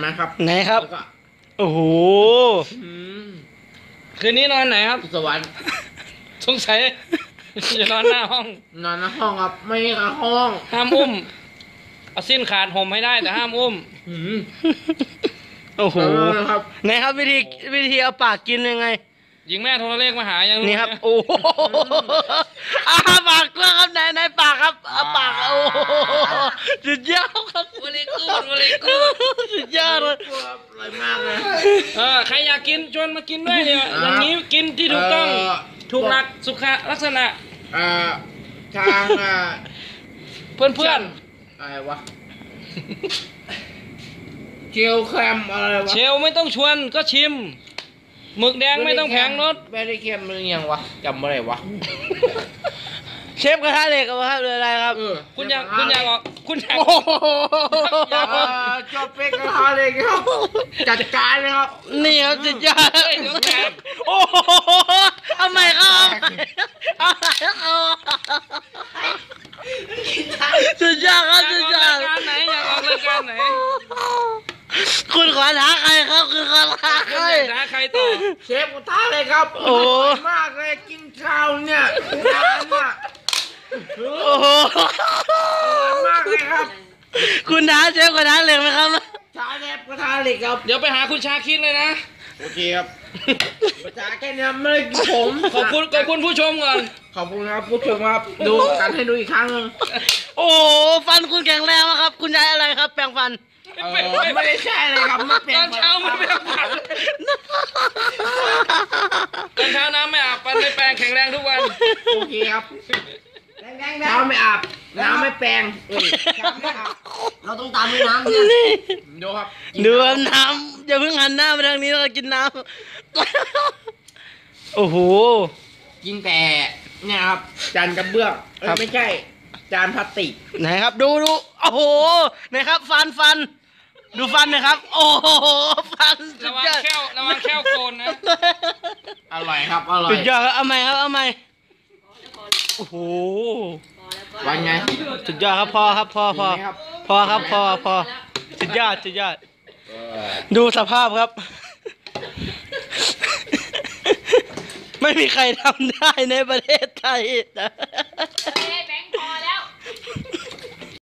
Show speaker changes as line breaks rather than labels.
นะครับ
ไหนครับโอ้โหคืนนี้นอนไหนครับ
สวรรค์
สงสัยจะนอนหน้าห้อง
นอนในห้องครับไม่ใช่ห้อง
ห้ามอุ้มเอาสิ้นขาดห่มให้ได้แต่ห้ามอุ้มโอ้โหไหนครับวิธีเอาปากกินยังไงยิงแม่โทรเลขมาหายังนี่ครับโอ้โหปากกว้างครับไหนปากครับปากโอ้สุดยอดครับวลีกูสุดยอดเลย
อร่อยมากเลย
ใครอยากกินชวนมากินด้วยเนี่ยอย่างนี้กินที่ถูกต้องถูกหลักสุขลักษณะ
ทาง
เพื่อน
อะไรวะเชลแคมอะไรวะ
เชลไม่ต้องชวนก็ชิมหมึกแดงไม่ต้องแพงรส
ไม่ได้เค็มมันยังวะจำอะไรวะ
เชฟกระทะเหล็กครับอะไรครับคุณอยากออกคุณอยาก
จบเป็นกระทะเหล็กครับจัดการเลยครับ
นี่ครับสุดยอดโอ้โหเอาใหม่ครับสุดยอดครับสุดยอด
ไหนอยากออกรายการไหน
คุณขอท้าใครครับคือขอท้าใครต่อ
เชฟกูท้าเลยครับโอ้มากเลยกินข้าวเนี่ยนานเนี่ย
โอ้โห
มากเลยครับ
คุณท้าเชฟกระทะเหล็กไหมครับ
ท้าเชฟกระทะเหล็กครับ
เดี๋ยวไปหาคุณชาคิดเลยนะ
โอเคครับภาษาแค่นี้ไม่ได้กินผม
ขอบคุณผู้ชมก่อน
ขอบคุณครับผู้ชมครับดูกันให้ดูอีกครั้งนึง
โอ้ฟันคุณแข็งแรงมากครับคุณยายอะไรครับแปรงฟัน
ไม่ได้ใช่เลยครับไม่เปลี่ยน
ตอนเช้าไม่แปรงฟันตอนเช้าน้ำไม่อาบฟันไม่แปรงแข็งแรงทุกวัน
โอเคครับเช้าไม่อาบน้ำไม่แปรงเช้าไม่อาบเราต้องตามด้วยน้ำเนี่ยดูครับ
ดูน้ำอย่าเพิ่งหันหน้ามาทางนี้แล้วกินน้ำโอ้โห
กินแต่เนี่ยครับจานกระเบื้องไม่ใช่จานพลาสติก
ไหนครับดูโอ้โหไหนครับฟันดูฟันนะครับโอ้โหฟันระวังแค่วโกนนะ
อร่อยครับอร่อย
สุดยอดครับเอาใหม่โอ้โห
วันไง
สุดยอดครับพอครับพอสุดยอดดูสภาพครับไม่มีใครทำได้ในประเทศไทยนะ